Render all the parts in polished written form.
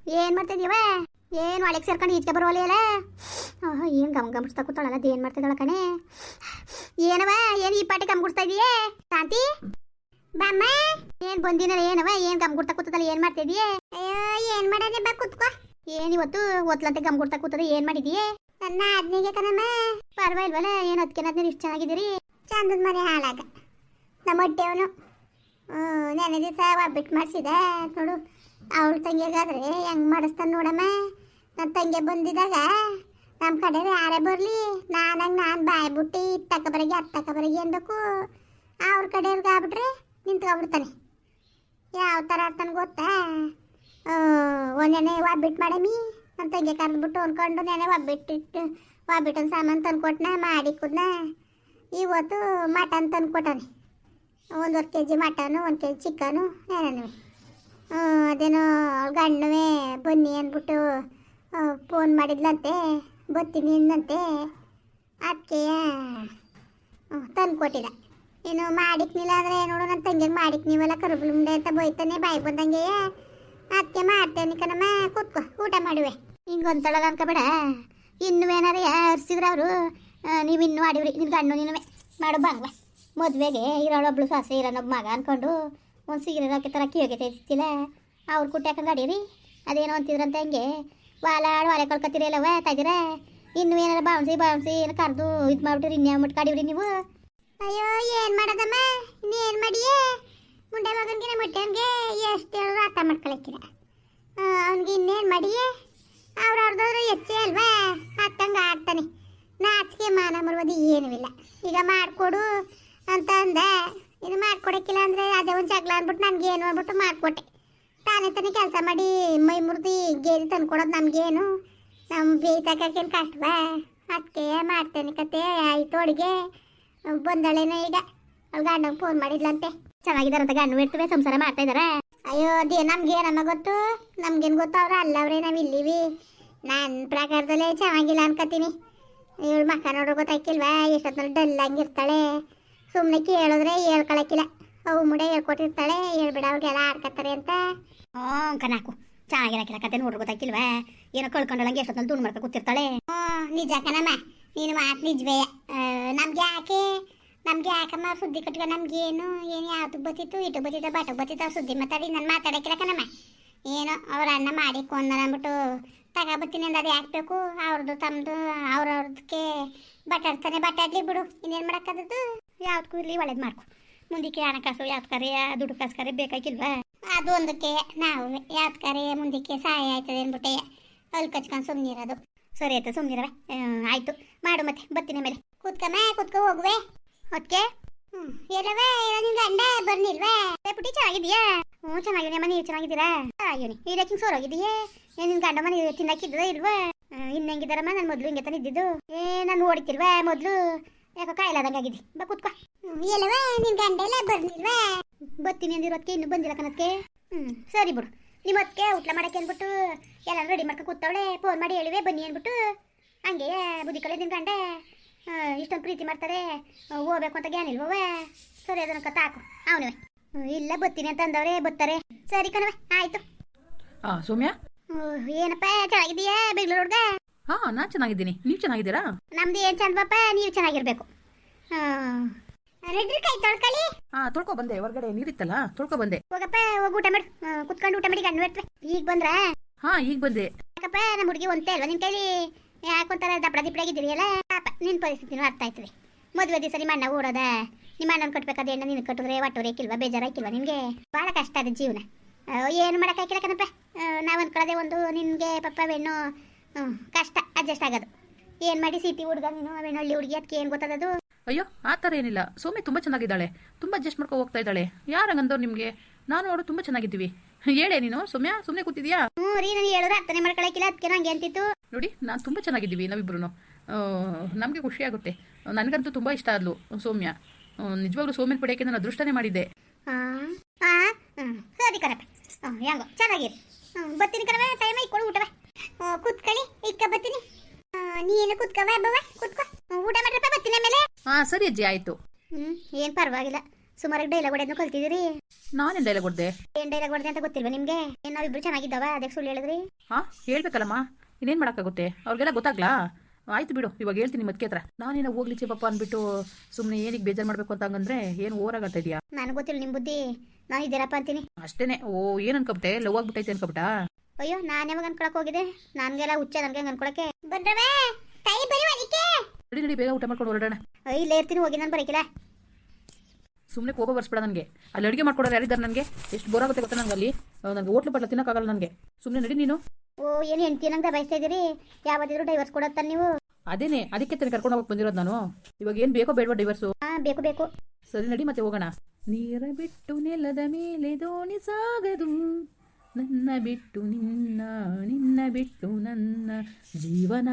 ಏನು ಮಾಡ್ತಿದ್ದೀವ? ಏನು ಒಳಗೆ ಸೇರ್ಕೊಂಡು ಈಚೆ ಬರೋಲ್ಲ. ಏನು ಗಮ್ಗುಸ್ತಾ ಕೂತಾಳಲ್ಲ, ಅದೇನು ಮಾಡ್ತಿದ್ದಾಳ ಕಣೆ? ಏನವ, ಏನು ಈ ಪಾಟಿ ಗಮ್ಗುಸ್ತಾ ಇದೀಯೇ? ಶಾಂತಿ ಬಾಮ್ಮ, ಏನು ಬಂದಿನ ಏನವ, ಏನು ಗಮ್ಗುಡ್ತಾ ಕೂತದಲ್ಲ, ಏನು ಮಾಡ್ತಿದೀಯೇ? ಅಯ್ಯೋ ಏನು ಮಾಡೋದೇ ಬಾ ಕುತ್ಕೋ. ಏನಿವತ್ತು ಒತ್ಲಂತೆ ಗಮ್ಗುಡ್ತಾ ಕೂತದ, ಏನು ಮಾಡಿದೀಯೇ? ನನ್ನ ಆದ್ನಿಗೆ ಕಣಮ್ಮ. ಪರವಾಗಿಲ್ವಲ್ಲ, ಏನು ಅದಕ್ಕೆ ಇಷ್ಟು ಚೆನ್ನಾಗಿದ್ದೀರಿ? ಚಂದದ ಮನೆ ಹಾಳಾಗ ನಮ್ಮ ಹೊಟ್ಟೆವನು ನೆನೆ ದಿವಸ ಒಬ್ಬಿಟ್ಟು ಮಾಡಿಸಿದೆ ನೋಡು. ಅವಳ ತಂಗಿಗಾದ್ರೆ ಹೆಂಗೆ ಮಾಡಿಸ್ತಾನೆ ನೋಡಮ್ಮ. ನನ್ನ ತಂಗಿ ಬಂದಿದ್ದಾಗ ನಮ್ಮ ಕಡೆ ಯಾರೇ ಬರಲಿ ನಾನಂಗೆ ನಾನು ಬಾಯಿ ಬಿಟ್ಟು ಇತ್ತಕ್ಕ ಬರಗೆ ಅತ್ತಕ್ಕ ಬರಗೆ ಅನ್ಬೇಕು. ಅವ್ರ ಕಡೆಯವ್ರಿಗೆ ಆಗ್ಬಿಟ್ರೆ ನಿಂತ್ಕೊಬಿಡ್ತಾನೆ. ಯಾವ ಥರ ಆಡ್ತಾನೆ ಗೊತ್ತಾ? ಒಂದೆನೆ ಒಬ್ಬಿಟ್ಟು ಮಾಡಮಿ ನನ್ನ ತಂಗಿ ಕರೆದ್ಬಿಟ್ಟು ಅಂದ್ಕೊಂಡು ನೆನೆ ಒಬ್ಬಿಟ್ಟೊಂದು ಸಾಮಾನು ತಂದ್ಕೊಟ್ನ ಮಾಡಿ ಕುದ್ನ. ಇವತ್ತು ಮಟನ್ ತಂದ್ಕೊಟ್ಟಾನೆ. 1.5 kg ಮಟನು, 1 kg ಚಿಕನು, ಏನೇನು ಅದೇನೋ ಗಣ್ಣುವೆ ಬನ್ನಿ ಅಂದ್ಬಿಟ್ಟು ಫೋನ್ ಮಾಡಿದ್ಲಂತೆ, ಬರ್ತೀನಿ ಅಂದಂತೆ. ಅದಕ್ಕೆ ತಂದು ಕೊಟ್ಟಿಲ್ಲ. ಏನು ಮಾಡಿಕ್ನಿಲ್ಲ ಅಂದರೆ ನೋಡು, ನನ್ನ ತಂಗಿಗೆ ಮಾಡಿಕ್ ನೀವೆಲ್ಲ ಕರುಬುಳುಂಡೆ ಅಂತ ಬೈತಾನೆ ಬಾಯಿಗೆ ಬಂದಂಗೆ. ಅದಕ್ಕೆ ಮಾಡ್ತೇನೆ ಕಣಮ್ಮ, ಕೂತ್ಕೊ ಊಟ ಮಾಡುವೆ. ಹಿಂಗೆ ಒಂತಳಗ ಅನ್ಕೋಬೇಡ. ಇನ್ನೂ ಏನಾರು ಹರ್ಸಿದ್ರೆ ಅವರು ನೀವು ಇನ್ನೂ ಆಡಿವ್ರಿ ನಿನ್ನ ಗಣ್ಣು ನೀನು ಮಾಡು ಬಾಂಗ್ವ. ಮದುವೆಗೆ ಇರೋಳೊಬ್ಳು ಸಾಸೆ ಇರೋನೊಬ್ಬ ಮಗ ಅಂದ್ಕೊಂಡು ಒಂದು ಸೀರೆ ಹಾಕಿ ಥರ ಕಿವಿಗೆ ತೆಗಿತಿಲ್ಲ. ಅವ್ರು ಕುಟ್ಟಿ ಹಾಕಂಗೆ ಅಡೀರಿ ಅದೇನೋ ಅಂತಿದ್ರಂತೆ. ಹಂಗೆ ಒಲೆ ಕಳ್ಕೊತೀರಲ್ಲವ ತೆಗಿರ. ಇನ್ನೂ ಏನಾರ ಬಾವ್ಸಿ ಏನು ಕರೆದು ಇದು ಮಾಡ್ಬಿಟ್ರಿ, ಇನ್ಯಾವ ಮುಟ್ಟು ಕಾಡಿವ್ರಿ ನೀವು? ಅಯ್ಯೋ ಏನು ಮಾಡೋದಮ್ಮ, ಇನ್ನೇನು ಮಾಡಿಯೇ? ಮುಂಡೆ ಮಗನಿಗೆ ನಮ್ಮ ಹೊಟ್ಟೆವನಿಗೆ ಎಷ್ಟು ಹೇಳಿದ್ರು ಅರ್ಥ ಮಾಡ್ಕೊಳಕ್ಕಿಲ್ಲ. ಅವ್ನಿಗೆ ಇನ್ನೇನು ಮಾಡಿಯೇ? ಅವ್ರವ್ರದಾದ್ರು ಹೆಚ್ಚೇ ಅಲ್ವಾ, ಹತ್ತಂಗೆ ಆಡ್ತಾನೆ. ನಾಚಿಕೆ ಮಾನ ಮರುವುದು ಏನೂ ಇಲ್ಲ. ಈಗ ಮಾಡಿಕೊಡು ಅಂತ ಅಂದೆ. ಇದು ಮಾಡ್ಕೊಡಕ್ಕಿಲ್ಲ ಅಂದರೆ ಅದೇ ಒಂದು ಜಗಳ ಅಂದ್ಬಿಟ್ಟು ನನಗೇನು ಅಂದ್ಬಿಟ್ಟು ಮಾಡಿಕೊಟ್ಟೆ. ತಾನೇ ಕೆಲಸ ಮಾಡಿ ಮೈ ಮುರಿದು ಗೇರಿ ತಂದ್ಕೊಡೋದು ನಮಗೇನು? ನಮ್ಮ ಬೇಯ್ತಕ್ಕೇನು ಕಷ್ಟವಾ? ಅದಕ್ಕೆ ಮಾಡ್ತೇನೆ ಕತೆ. ಆಯಿತು ಅಡುಗೆ ಬಂದಳೇನೋ ಈಗ. ಅವ್ಳು ಗಂಡಂಗೆ ಫೋನ್ ಮಾಡಿದ್ಲಂತೆ, ಚೆನ್ನಾಗಿದ್ದಾರಂತ ಗಂಡು ಇರ್ತವೆ, ಸಂಸಾರ ಮಾಡ್ತಾ ಇದಾರೆ. ಅಯ್ಯೋ ಅದೇ ನಮ್ಗೇನಮ್ಮ ಗೊತ್ತು, ನಮ್ಗೇನು ಗೊತ್ತು? ಅವ್ರು ಅಲ್ಲವ್ರೆ, ನಾವು ಇಲ್ಲಿವಿ. ನನ್ನ ಪ್ರಕಾರದಲ್ಲೇ ಚೆನ್ನಾಗಿಲ್ಲ ಅನ್ಕೋತೀನಿ. ಇವಳು ಮಕ್ಕ ನೋಡ್ರೆ ಗೊತ್ತಾಕಿಲ್ವಾ? ಎಷ್ಟೊತ್ತಲ್ಲಿ ಡಲ್ಲಾಗಿರ್ತಾಳೆ. ಸುಮ್ಮನೆ ಕೇಳಿದ್ರೆ ಹೇಳ್ಕೊಳಕ್ಕಿಲ್ಲ. ಅವು ಮುಡೆ ಹೇಳ್ಕೊಟ್ಟಿರ್ತಾಳೆ, ಹೇಳ್ಬಿಡ ಅವ್ರಿಗೆಲ್ಲ ಆಡ್ಕೊತಾರೆ ಅಂತ. ಕನಾಕು ಚೆನ್ನಾಗಿರಕ್ಕಿಲ್ಲ ಕತೆ ನೋಡ್ರೆ ಗೊತ್ತಾಕಿಲ್ವಾ? ಏನೋ ಕಳ್ಕೊಂಡಳಂಗೆ ಎಷ್ಟೊತ್ತಲ್ಲಿ ದುಡ್ಡು ಮಾಡ್ಕೊ ಕೂತಿರ್ತಾಳೆ. ನಿಜ ಕಣಮ್ಮ, ನೀನು ಮಾತು ನಿಜವೇ. ನಮ್ಗೆ ಯಾಕಮ್ಮ ಸುದ್ದಿ ಕಟ್ಕ? ನಮ್ಗೇನು ಏನು ಯಾವ್ದು ಬತ್ತಿತ್ತು, ಇಟ್ಟು ಬತ್ತಿತ್ತು, ಬಾಟಕ್ಕೆ ಬತ್ತಿತ್ತು, ಅವ್ರು ಸುದ್ದಿ ಮಾತಾಡಿ ನಾನು ಮಾತಾಡಕ್ಕಿಲ್ಲ ಕಣಮ್ಮ. ಏನೋ ಅವ್ರ ಅನ್ನ ಮಾಡಿ ಕೊಂದ ಅಂದ್ಬಿಟ್ಟು ತಗೋಬತ್ತೀನಿ ಅಂದ. ಅದು ಯಾಕಬೇಕು? ಅವ್ರದ್ದು ತಮ್ಮದು ಅವ್ರವ್ರದಕ್ಕೆ ಬಟಾಡ್ತಾನೆ, ಬಟಾಡ್ಲಿ ಬಿಡು, ಇನ್ನೇನು ಮಾಡೋಕ್ಕದ್ದು? ಯಾವ್ದಕ್ಕೂ ಇರಲಿ ಒಳ್ಳೇದು ಮಾಡ್ಕೊ. ಮುಂದಕ್ಕೆ ಹಣಕಾಸು ಯಾವ್ದಕ್ಕಾರೆ ದುಡ್ಡು ಕಾಸ್ಕಾರೆ ಬೇಕಾಗಿಲ್ವಾ? ಅದು ಒಂದಕ್ಕೆ ನಾವು ಯಾವ್ದಕ್ಕಾರೆ ಮುಂದಕ್ಕೆ ಸಹಾಯ ಆಯ್ತದೆ ಅಂದ್ಬಿಟ್ಟೆ ಅಲ್ಲಿ ಕಚ್ಕೊಂಡು ಸುಮ್ಮನಿರೋದು. ಸರಿ ಆಯ್ತು, ಸುಮ್ಮನಿರವೆ. ಆಯಿತು ಮಾಡು, ಮತ್ತೆ ಬರ್ತೀನಿ ಮೇಲೆ. ಕೂತ್ಕೊ ಹೋಗುವೆ ಅದಕ್ಕೆ. ಎಲ್ಲವೇ ಇರೋ ನಿನ್ ಗಂಡ ಬರ್ನಿಲ್ವಾ? ಪುಟ್ಟಿ ಚೆನ್ನಾಗಿದೆಯಾ? ಚೆನ್ನಾಗಿದೆಯಮ್ಮ, ನೀವು ಚೆನ್ನಾಗಿದ್ದೀರಾ? ಆಗಿನಿ ಇದಕ್ಕೆ ಸೋರೋಗಿದೆಯೇ? ನಿನ್ನ ಗಂಡ ಮನೆ ತಿನ್ನಕ್ಕಿದ್ದದ ಇಲ್ವಾ? ಇನ್ನಂಗಿದಾರಮ್ಮ, ನಾನು ಮೊದಲು ಹಿಂಗೆ ತಾನೆ ಇದ್ದಿದ್ದು. ನಾನು ಓಡಿತಿಲ್ವಾ ಮೊದಲು? ಯಾಕೋ ಕಾಯಿಲಾದಂಗಾಗಿದ್ದಿ. ಬಾ ಕೂತ್ಕೊ. ಎಲ್ಲವೇ ನಿನ್ ಗಂಡ ಎಲ್ಲ ಬರ್ನಿಲ್ವಾ? ಬರ್ತೀನಿ ಅಂದಿರೋದಕ್ಕೆ ಇನ್ನೂ ಬಂದಿಲ್ಲ ಕಣಕ್ಕೆ. ಸರಿ ಬಿಡು. ನಿಮ್ಮ ಅದಕ್ಕೆ ಊಟ ಮಾಡಕ್ಕೆ ಅಂದ್ಬಿಟ್ಟು ಎಲ್ಲ ರೆಡಿ ಮಾಡ್ಕೊ ಕೂತವಳೆ. ಫೋನ್ ಮಾಡಿ ಹೇಳಿವೆ ಬನ್ನಿ ಅಂದ್ಬಿಟ್ಟು. ಹಂಗೆ ಬುದ್ಧಿ ಕಳೆ ನಿನ್ನ ಗಂಡ ಇಷ್ಟೊಂದು ಪ್ರೀತಿ ಮಾಡ್ತಾರೆ, ಹೋಗ್ಬೇಕು ಅಂತ ಗ್ಯಾನ್ ಇಲ್ವವ? ಸರಿ ಅದನ್ನ ಕತ್ತಾಕು ಅವನವೇ. ಇಲ್ಲ ಬರ್ತೀನಿ ಅಂತ ಅಂದವ್ರೆ, ಬರ್ತಾರೆ. ಸರಿ ಕಣವೆ, ಆಯ್ತು. ಸೌಮ್ಯ, ಏನಪ್ಪ ಚೆನ್ನಾಗಿದೀಯಾ ಬೆಂಗಳೂರ್ಗ? ನಾನು ಚೆನ್ನಾಗಿದ್ದೀನಿ, ನೀವು ಚೆನ್ನಾಗಿದ್ದೀರಾ? ನಮ್ದು ಏನು ಚಂದಪ್ಪ, ನೀವು ಚೆನ್ನಾಗಿರ್ಬೇಕು. ರೆಡ್ರಿ ಕೈ ತೊಳ್ಕೊಳ್ಳಿ. ತೊಳ್ಕೊ ಬಂದೆ, ಹೊರಗಡೆ ನೀರಿತ್ತಲ್ಲ ತೊಳ್ಕೊ ಬಂದೆ. ಹೋಗಪ್ಪ, ಹೋಗಿ ಊಟ ಮಾಡು, ಕುತ್ಕೊಂಡು ಊಟ ಮಾಡಿ ಗಂಡು ಬಿಡ್ತವೆ. ಈಗ ಬಂದ್ರ? ಈಗ ಬಂದೆ. ಯಾಕಪ್ಪ ನಮ್ಮ ಹುಡುಗಿ ಒಂದೇ ಅಲ್ವಾ ನಿನ್ ಕೈಲಿ? ಯಾಕೊಂತಾರ ದಪ್ಪಡ ದಿಪ್ಪಡಾಗಿದ್ದೀರಿಯಲ್ಲ ಪಾಪ. ನಿನ್ನ ಪರಿಸ್ಥಿತಿನೂ ಅರ್ಥ ಆಯ್ತದೆ. ಮದುವೆ ದಿವಸ ನಿಮ್ಮ ಅಣ್ಣ ಓಡೋದ, ನಿಮ್ಮ ಅಣ್ಣನ ಕಟ್ಬೇಕಾದ ಹೆಣ್ಣು ನಿನ್ ಕಟ್ಟಿದ್ರೆ ಒಟ್ಟೋರೇಕಿಲ್ವಾ? ಬೇಜಾರಾಕಿಲ್ವಾ ನಿನಗೆ? ಭಾಳ ಕಷ್ಟ ಅದ ಜೀವನ. ಏನು ಮಾಡೋಕ್ಕಾಗಿಲ್ಲ ಕಣಪ್ಪ. ನಾವು ಅಂದ್ಕೊಳ್ಳೋದೆ ಒಂದು, ನಿನಗೆ ಪಾಪ ಹೆಣ್ಣು ಕಷ್ಟ ಅಡ್ಜಸ್ಟ್ ಆಗೋದು. ಏನು ಮಾಡಿ ಸಿಟಿ ಹುಡುಗ ನೀನು, ಅವೇನು ಹಳ್ಳಿ ಹುಡುಗಿ, ಅದಕ್ಕೆ ಏನು ಗೊತ್ತದದು? ಅಯ್ಯೋ ಆ ಥರ ಏನಿಲ್ಲ. ಸೌಮ್ಯ ತುಂಬ ಚೆನ್ನಾಗಿದ್ದಾಳೆ, ತುಂಬ ಅಡ್ಜಸ್ಟ್ ಮಾಡ್ಕೊ ಹೋಗ್ತಾ ಇದ್ದಾಳೆ. ಯಾರಂಗಂದವ್ರು ನಿಮಗೆ? ನಾನು ಅವಳು ತುಂಬ ಚೆನ್ನಾಗಿದ್ದೀವಿ. ಹೇಳೇ ನೀನು ಸೌಮ್ಯ, ಸುಮ್ಮನೆ ಕೂತಿದ್ಯಾ? ರೀ, ನಾನು ಹೇಳಿದ್ರೆ ಅರ್ಥನೇ ಮಾಡ್ಕೊಳಕ್ಕಿಲ್ಲ, ಅದಕ್ಕೆ ನಂಗೆ ಅಂತಿತ್ತು. ನೋಡಿ, ನಾನು ತುಂಬ ಚೆನ್ನಾಗಿದ್ದೀವಿ ನಾವಿಬ್ರು. ನಮಗೆ ಖುಷಿ ಆಗುತ್ತೆ. ನನಗಂತೂ ತುಂಬ ಇಷ್ಟ ಆದ್ಲು ಸೌಮ್ಯ. ನಿಜವಾಗ್ಲೂ ಸೌಮ್ಯನ ಪಡೆಯೋಕ್ಕೆ ನಾನು ಅದೃಷ್ಟನೇ ಮಾಡಿದ್ದೆ. ಸರಿ ಕಣಪ್ಪ, ಹೆಂಗೋ ಚೆನ್ನಾಗಿರಿ. ಬರ್ತೀನಿ ಕಣವ, ಟೈಮ್ ಇಕ್ಕೊಡು ಊಟವ. ಕೂತ್ಕೊಳ್ಳಿ, ಇಕ್ಕ ಬರ್ತೀನಿ. ನೀನು ಕೂತ್ಕವ ಬವ, ಕೂತ್ಕೊ ಊಟ ಮಾಡ್ರಪ್ಪ, ಬರ್ತೀನಿ ಆಮೇಲೆ. ಸರಿ ಅಜ್ಜಿ, ಆಯಿತು. ಏನು ಪರವಾಗಿಲ್ಲ. ಸುಮಾರು ಡೈಲಾಗ್ ಹೊಡೆದ್ನು ಕಲ್ತಿದ್ದೀರಿ. ನಾನೇನು ಡೈಲಾಗ್ ಹೊಡ್ದೆ? ಏನ್ ಡೈಲಾಗ್ ಹೊಡೆದೆ ಅಂತ ಗೊತ್ತಿಲ್ವಾ ನಿಮ್ಗೆ? ಏನ್ ನಾವಿಬ್ರು ಚೆನ್ನಾಗಿದ್ದಾವ ಅದಕ್ಕೆ ಸುಳ್ಳು ಹೇಳಿದ್ರಿ? ಹಾಂ ಹೇಳ್ಬೇಕಲ್ಲಮ್ಮ, ಇನ್ನೇನು ಮಾಡೋಕ್ಕಾಗುತ್ತೆ? ಅವ್ರಿಗೆಲ್ಲ ಗೊತ್ತಾಗ್ಲಾ? ಆಯ್ತು ಬಿಡು, ಇವಾಗ ಹೇಳ್ತೀನಿ ಮತ್ಕೆ ಹತ್ರ. ನಾನೇನೋ ಹೋಗ್ಲಿ ಚಿಪ್ಪಪ್ಪ ಅಂದ್ಬಿಟ್ಟು ಸುಮ್ಮನೆ ಏನಿಗೆ ಬೇಜಾರು ಮಾಡಬೇಕು ಅಂತ ಹಂಗಂದ್ರೆ ಏನು ಓರಾಗತ್ತಾ ಇದೆಯಾ? ನನಗೆ ಗೊತ್ತಿಲ್ಲ ನಿಮ್ಮ ಬುದ್ಧಿ, ನಾನು ಇದ್ದೀರಪ್ಪ ಅಂತೀನಿ ಅಷ್ಟೇನೆ. ಓ ಏನು ಅನ್ಕೊಬಿಟ್ಟೆ? ಲವ್ ಆಗ್ಬಿಟ್ಟೈತೆ ಅನ್ಕೊಬಿಟ್ಟಾ? ಅಯ್ಯೋ ನಾನು ಯಾವಾಗ ಅನ್ಕೊಳಕ್ ಹೋಗಿದೆ? ನನ್ಗೆಲ್ಲ ಹುಚ್ಚ ನನಗೆ ಅನ್ಕೊಳಕ್ಕೆ ಬಂದ್ರವೇ ಕೈ ಬರಿ ಅದಕ್ಕೆ. ನಡಿ ನಡಿ, ಬೇಗ ಊಟ ಮಾಡ್ಕೊಂಡು ಹೊರಡೋಣ. ಇಲ್ಲೇ ಇರ್ತೀನಿ, ಹೋಗಿ ನಾನು ಬರಕಿಲ್ಲ. ಸುಮ್ಮನೆ ಕೋಪ ಬರ್ಸ್ಬೇಡ ನನಗೆ. ಅಲ್ಲಿ ಅಡುಗೆ ಮಾಡ್ಕೊಡೋರು ಯಾರಿದ್ದಾರೆ ನನಗೆ? ಎಷ್ಟು ಬೋರ್ ಆಗುತ್ತೆ ಗೊತ್ತಾ ನನಗೆ ಅಲ್ಲಿ. ನನಗೆ ಹೋಟ್ಲು ಪಟ್ಲ ತಿನ್ನೋಕ್ಕಾಗಲ್ಲ ನನಗೆ. ಸುಮ್ಮನೆ ನಡಿ ನೀನು. ಓ ಏನು ಹೆಂಡ್ತಿ ನಂಗೆ ದಬಾಯಿಸ್ತಾ ಇದ್ದೀರಿ? ಯಾವತ್ತಿದ್ರು ಡೈವರ್ಸ್ ಕೊಡತ್ತಾನ ನೀವು? ಅದೇನೆ, ಅದಕ್ಕೆ ತಾನೆ ಕರ್ಕೊಂಡು ಹೋಗಕ್ಕೆ ಬಂದಿರೋದು ನಾನು. ಇವಾಗ ಏನು ಬೇಕೋ ಬೇಡವಾ ಡೈವರ್ಸು? ಹಾಂ ಬೇಕು ಬೇಕು. ಸರಿ ನಡಿ ಮತ್ತೆ ಹೋಗೋಣ. ನೀರ ಬಿಟ್ಟು ನೆಲದ ಮೇಲೆ ದೋಣಿ ಸಾಗದು, ನನ್ನ ಬಿಟ್ಟು ನಿನ್ನ, ನಿನ್ನ ಬಿಟ್ಟು ನನ್ನ ಜೀವನ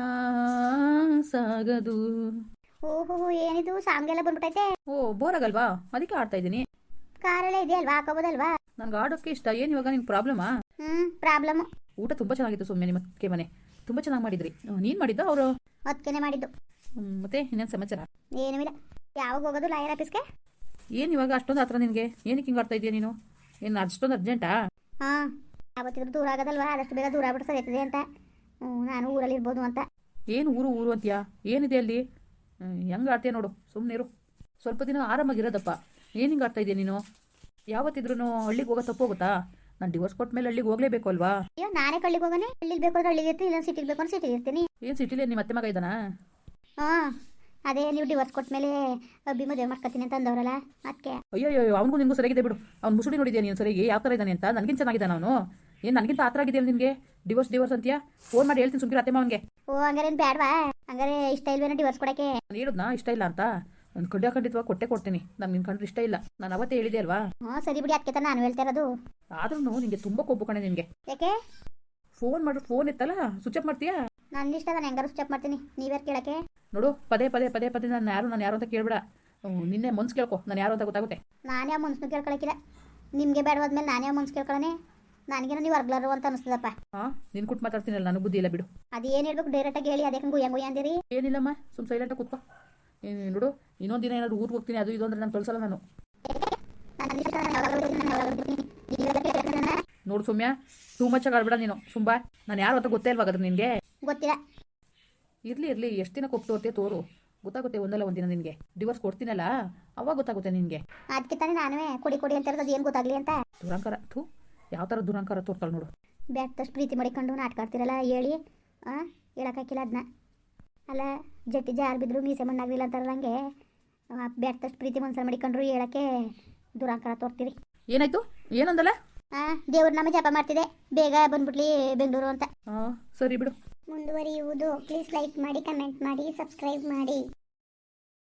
ಸಾಗದು. ಓಹೋ ಏನಿದು ಸಾಂಗ್ ಎಲ್ಲ ಬಂದ್ಬಿಟ್ಟೈತೆ. ಓ ಬೋರ್ ಆಗಲ್ವಾ? ಅದಕ್ಕೆ ಆಡ್ತಾ ಇದ್ದೀನಿ. ಕಾರೆಲ್ಲ ಇದೆಯಲ್ವಾ, ಹಾಕೋಬೋದಲ್ವಾ? ನನಗೆ ಆಡೋಕ್ಕೆ ಇಷ್ಟ. ಏನು ಇವಾಗ ನಿಂಗೆ ಪ್ರಾಬ್ಲಮಾ? ಪ್ರಾಬ್ಲಮ್. ಊಟ ತುಂಬ ಚೆನ್ನಾಗಿತ್ತು ಸೌಮ್ಯ, ನಿಮ್ಮ ಅತ್ತಿಗೆ ಮನೆ ತುಂಬ ಚೆನ್ನಾಗಿ ಮಾಡಿದ್ರಿ. ನೀನು ಮಾಡಿದ್ದ ಅವರು? ಅದಕ್ಕೇನೆ ಮಾಡಿದ್ದು. ಮತ್ತೆ ಇನ್ನೇನು ಸಮಾಚಾರ? ಏನೂ ಇಲ್ಲ. ಯಾವಾಗ ಹೋಗೋದು ಲಾಯರ್ ಆಫೀಸ್ಗೆ? ಏನು ಇವಾಗ ಅಷ್ಟೊಂದು ಹತ್ರ ನಿನಗೆ? ಏನಕ್ಕೆ ಹಿಂಗೆ ಆಡ್ತಾ ಇದೆಯಾ ನೀನು? ಏನು ಅಷ್ಟೊಂದು ಅರ್ಜೆಂಟಾ? ಹಾಂ, ಯಾವತ್ತಿದ್ರು ದೂರ ಆಗೋದಲ್ವಾ, ಆದಷ್ಟು ಬೇಗ ದೂರ ಆಗ್ಬಿಟ್ಟು ಸರಿತದೆ ಅಂತ. ನಾನು ಊರಲ್ಲಿ ಇರ್ಬೋದು ಅಂತ. ಏನು ಊರು ಊರು ಅಂತೀಯಾ? ಏನಿದೆ ಅಲ್ಲಿ? ಹೆಂಗೆ ಆಡ್ತೀಯ ನೋಡು, ಸುಮ್ಮನೆ ಇರು. ಸ್ವಲ್ಪ ದಿನ ಆರಾಮಾಗಿರೋದಪ್ಪ. ಏನು ಹಿಂಗೆ ಆಡ್ತಾ ಇದೆಯಾ ನೀನು? ಯಾವತ್ತಿದ್ರೂ ಹಳ್ಳಿಗೆ ಹೋಗೋ ತಪ್ಪು ಹೋಗುತ್ತಾ? ನಾನು ಡಿವೋರ್ಸ್ ಕೊಟ್ಟ ಮೇಲೆ ಹಳ್ಳಿಗೆ ಹೋಗಲೇಬೇಕು ಅಲ್ವಾ? ಅಯ್ಯೋ ನಾನೇ ಕಳ್ಳಿಗೆ ಹೋಗೋಣ. ಹಳ್ಳಿಗೆ ಬೇಕು ಅಂದ್ರೆ ಹಳ್ಳಿಗೆ ಇರ್ತೀನಿ, ಇಲ್ಲ ಸಿಟಿಗೆ ಬೇಕು ಅಂದ್ರೆ ಸಿಟಿಗೆ ಇರ್ತೀನಿ. ಏನು ಸಿಟಿಲಿ ನಿಮ್ಮ ಅತ್ತೆ ಮಗ ಇದ್ದಾನಾ? ಹಾಂ, ಅದೇ ನೀವು ಡಿವೋರ್ಸ್ ಕೊಟ್ಟ ಮೇಲೆ ಅಬ್ಬಿ ಮದುವೆ ಮಾಡ್ಕೊತೀನಿ ಅಂತ ಅಂದವರಲ್ಲ, ಅದಕ್ಕೆ. ಅಯ್ಯೋ ಅಯ್ಯೋ, ಅವ್ನಿಗೂ ನಿನಗೂ ಸರಿಯಾಗಿದೆ ಬಿಡು. ಅವ್ನು ಮುಸುಡಿ ನೋಡಿದ್ಯಾ ನೀನು ಸರಿಯಾಗಿ ಯಾವ ಥರ ಇದ್ದಾನೆ ಅಂತ? ನನಗಿಂತ ಚೆನ್ನಾಗಿದ್ದಾನೆ ಅವನು. ಏನು ನನಗಿಂತ ಆ ಥರ ಆಗಿದೆಯಲ್ಲ ನಿನಗೆ? ಡಿವೋರ್ಸ್ ಅಂತೀಯಾ? ಫೋನ್ ಮಾಡಿ ಹೇಳ್ತೀನಿ ಸುಮ್ಕಿರ ಅತ್ತೆ ಮಾವನಿಗೆ. ಓ ಹಂಗಾರೆ ಏನು ಬೇಡವಾ? ಹಂಗಾರೆ ಇಷ್ಟ ಇಲ್ವೇನೋ ಡಿವೋರ್ಸ್ ಕೊಡೋಕ್ಕೆ? ನಾನು ಹೇಳಿದ್ನಾ ಇಷ್ಟ ಇಲ್ಲ ಅಂತ? ನಾನು ಖಂಡಿತವಾಗಿ ಕೊಡ್ತೀನಿ. ನಾನು ನಿನ್ನ ಕಂಡ್ರೆ ಇಷ್ಟ ಇಲ್ಲ, ನಾನು ಅವತ್ತೇ ಹೇಳಿದೆ ಅಲ್ವಾ? ಹ್ಞೂ ಸರಿ ಬಿಡಿ, ಅದಕ್ಕೆ ತಾನು ನಾನು ಹೇಳ್ತಾ ಇರೋದು. ಆದ್ರೂ ನಿನಗೆ ತುಂಬ ಕೊಬ್ಬು ಕಣೆ ನಿನಗೆ. ಯಾಕೆ? ಫೋನ್ ಮಾಡಿ ಫೋನ್ ಎತ್ತಲ್ಲ, ಸ್ವಿಚ್ ಆಫ್ ಮಾಡ್ತೀಯಾ? ನನ್ನ ಇಷ್ಟ, ನಾನು ಹೆಂಗಾರು ಸ್ಟಾಪ್ ಮಾಡ್ತೀನಿ, ನೀವ್ಯಾರು ಕೇಳಕ್ಕೆ? ನೋಡು, ಪದೇ ನಾನು ಯಾರು ಅಂತ ಕೇಳ್ಬೇಡ. ನಿನ್ನೆ ಮನ್ಸು ಕೇಳ್ಕೊ, ನಾನು ಯಾರು ಅಂತ ಗೊತ್ತಾಗುತ್ತೆ. ನಾನು ಯಾವ ಮನ್ಸನ್ನು ಕೇಳ್ಕೊಳಕ್ಕಿಲ್ಲ. ನಿಮಗೆ ಬೇಡವಾದ್ಮೇಲೆ ನಾನು ಯಾವ ಮನ್ಸು ಕೇಳ್ಕೊಳ್ಳೋಣ? ನನಗೇನೋ ನೀವು ಹೊರ್ಗ್ಲಾರು ಅಂತ ಅನಿಸ್ತದಪ್ಪ. ಹಾಂ, ನಿನ್ನ ಕುಟ್ಟು ಮಾತಾಡ್ತೀನಲ್ಲ, ನನಗೆ ಬುದ್ಧಿ ಇಲ್ಲ ಬಿಡು. ಅದೇನು ಹೇಳ್ಬೇಕು ಡೈರೆಕ್ಟಾಗಿ ಹೇಳಿ, ಅದಕ್ಕೆ ಗುಯ್ಯ ಅಂದಿರಿ. ಏನಿಲ್ಲಮ್ಮ, ಸುಮ್ಮ ಸೈಲೆಂಟಾಗಿ ಕೂತ್ಕೋ. ನೋಡು, ಇನ್ನೊಂದು ದಿನ ಏನಾದ್ರು ಊರಿಗೆ ಹೋಗ್ತೀನಿ ಅದು ಇದು ಅಂದ್ರೆ ನಾನು ಕಳ್ಸಲ್ಲ ನಾನು. ನೋಡು ಸೌಮ್ಯ, ಟೂ ಮಚ್ ಆಗಿ ಆಡ್ಬೇಡ ನೀನು. ಸುಂಬಾ, ನಾನು ಯಾರು ಅಂತ ಗೊತ್ತೇ ಇಲ್ವಾಗಾದ್ರೆ ನಿನಗೆ? ಗೊತ್ತಿಲ್ಲ. ಇರಲಿ ಎಷ್ಟು ದಿನ ಕೊಟ್ಟು ತೋರು, ಗೊತ್ತಾಗುತ್ತೆ ಒಂದಲ್ಲ ಒಂದಿನ ನಿನಗೆ. ಡಿವೋರ್ಸ್ ಕೊಡ್ತೀನಲ್ಲ ಅವಾಗ ಗೊತ್ತಾಗುತ್ತೆ ನಿನಗೆ. ಅದಕ್ಕೆ ತಾನೇ ನಾನೇ ಕೊಡಿ ಅಂತ ಇರೋದು, ಏನು ಗೊತ್ತಾಗ್ಲಿ ಅಂತ. ದುರಂಕಾರ, ಯಾವ ಥರ ದುರಂಕಾರ ತೋರ್ತಾಳೆ ನೋಡು. ಬ್ಯಾಡ್ತಷ್ಟು ಪ್ರೀತಿ ಮಾಡಿಕೊಂಡು ನಾಟಕ ಆಡ್ತಿರಲ್ಲ, ಹೇಳಿ. ಹೇಳೋಕ್ಕಾಗಿಲ್ಲ ಅದನ್ನ. ಅಲ್ಲ, ಜಟ್ಟಿ ಜಾರು ಬಿದ್ರು ಮೀಸೆ ಮಣ್ಣಾಗಲಿಲ್ಲ ಅಂತಾರಲ್ಲ, ಹಂಗೆ ಬ್ಯಾಡ್ತಷ್ಟು ಪ್ರೀತಿ ಮನ್ಸಲ್ಲಿ ಮಾಡಿಕೊಂಡ್ರು ಹೇಳೋಕ್ಕೆ ದುರಂಕಾರ ತೋರ್ತೀರಿ. ಏನಾಯ್ತು? ಏನಂದಲ್ಲ? ದೇವ್ರ ನಾಮ ಜಪ ಮಾಡ್ತಿದೆ, ಬೇಗ ಬಂದ್ಬಿಡ್ಲಿ ಬೆಂಗಳೂರು ಅಂತ. ಸರಿ ಬಿಡು. ಮುಂದುವರಿಯುವುದು. ಪ್ಲೀಸ್ ಲೈಕ್ ಮಾಡಿ, ಕಮೆಂಟ್ ಮಾಡಿ, ಸಬ್ಸ್ಕ್ರೈಬ್ ಮಾಡಿ.